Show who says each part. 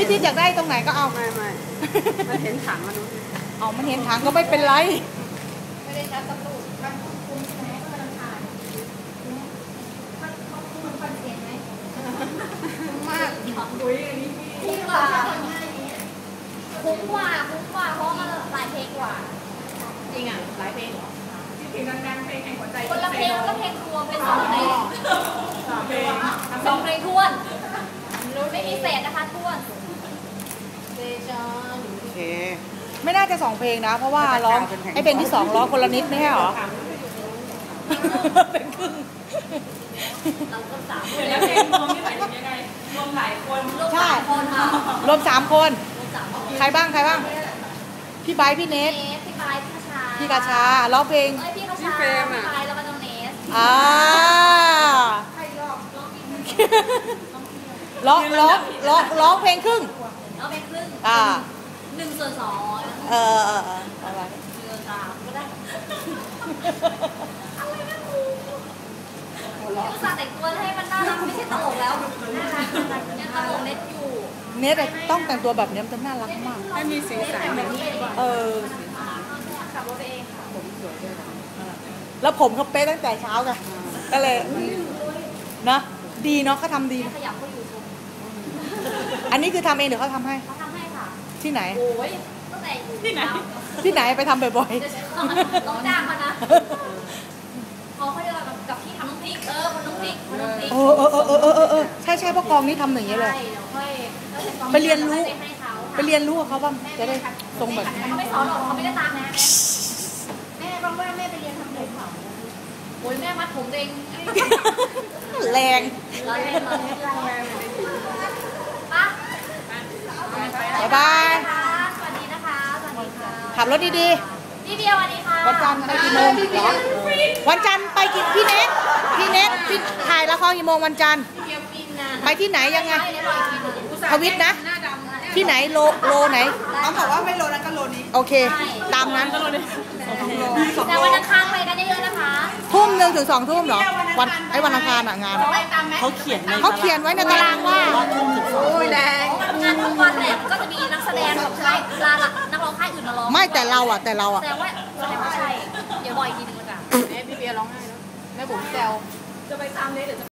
Speaker 1: ที่อยากได้ตรงไหนก็เอา
Speaker 2: ไม่มันเห็นถังมัน
Speaker 1: เอามันเห็นถังก็ไม่เป็นไร
Speaker 3: ไม่ได้นัดตำรวจมันคุ้มใช่ไหมก็มันผ่านเขาคุ้มคอนเทนต์ไหมคุ้มมากคุ้มกว่าคุ้มกว่าเพราะมันหลายเพลงกว่า
Speaker 2: จริงอ่ะหลายเพลงเหรอที่เพลงดังๆเพลงแห่งหัวใจ
Speaker 3: คนละเพลงก็เพลงรวมเป็น2 เพลง
Speaker 2: 2 เพลง
Speaker 3: 2 เพลงท้วนไม่มีเศษนะคะท้วน
Speaker 1: โอเคไม่น่าจะ2 เพลงนะเพราะว่าร้องให้เพลงที่2ร้องคนละนิดไม่ใช่หรอเป็นครึ่ง
Speaker 3: เราก็3
Speaker 2: คนแล้วเพลงรวมนี่หมายถึงยังไงรวมหลายคน
Speaker 1: ใช่รวม3 คนใครบ้างพี่ไบร์ทพี่เนท
Speaker 3: พี่ไบร์ท
Speaker 1: พี่กาชาร้องเพลง
Speaker 3: พี่กาชาพี่ไบร์ทแล้วก็น้องเนส
Speaker 1: ร้องเพลงครึ่ง
Speaker 3: ร้องเพลงครึ่ง1/2
Speaker 1: อะไร
Speaker 3: 1/3ก็ได้อะไรนะครูอุตส่าห์แต่งตัวให้มันน่ารักไม่ใช่ตลกแล้วน่ารักยังตลกเน็ตอยู่
Speaker 1: เนทต้องแต่งตัวแบบนี้มันจะน่ารักมาก
Speaker 2: ให้มีสีสัน
Speaker 3: ขับรถเองค่ะ
Speaker 2: ผมสวยด้วย
Speaker 1: แล้วผมเขาเป๊ะตั้งแต่เช้าไงก็เลยนะดีเนาะเขาทำดี
Speaker 3: ขยับเขาอยู่ชม
Speaker 1: อันนี้คือทำเองหรือเขาทำให้
Speaker 3: เขาทำให้ค่ะ
Speaker 1: ที่ไหน
Speaker 3: โอ้ยตั้งแต่อยู่
Speaker 1: ที่ไหนไปทำบ่อย
Speaker 3: ๆต้องจ้างมานะเขาเรียกกับที่ทำน้ำพริกคนน้ำพริก
Speaker 1: ใช่เพราะกองนี้ทำอย่างนี้เลยไปเรียนรู้กับเขาบ้างจะได้ตรงแบบ
Speaker 3: เขาไม่สอนหรอกเขาไม่ได้ตามนะแม่บอกว่าแม่ไปเรียนทำผมโอ้ยแม่มัดผมเอง
Speaker 1: แรง
Speaker 3: ปะ
Speaker 1: บ๊ายบาย
Speaker 3: สวัสดีนะคะสวัสดีค่ะ
Speaker 1: ขับรถดี
Speaker 3: ๆพี่เบียร์สวัสดีค่ะ
Speaker 1: วันจันทร์ไปกี่โมงวันจันทร์ไปกี่พี่เน็ตถ่ายละครกี่โมงวันจันทร์ไปที่ไหนยังไงทวิตนะที่ไหนโลไหน
Speaker 2: เขาบอกว่าไม่โลนั้นก็โลนี้
Speaker 1: โอเคตามนั้น
Speaker 3: แต่วันอังคารไปกันเยอะๆนะคะ
Speaker 1: 1 ถึง 2 ทุ่มเหรอวันอังคารงาน
Speaker 2: เขาเขี
Speaker 1: ยนไว้ในตารางว่า
Speaker 2: โอ้ยแดง
Speaker 3: งานทุกวันเนี่ยก็จะมีนักแสดงของค่ายนักร้องค่ายอื่นมาร้อง
Speaker 1: ไม่แต่เรา
Speaker 3: แสดงว่าใช่เดี๋ยวบอกอีกทีนึงละกัน
Speaker 2: แม่พี่เบียร์ร้องไห้แล้วแม่บุ๋มแซวจะไปตามเนสเดี๋ยว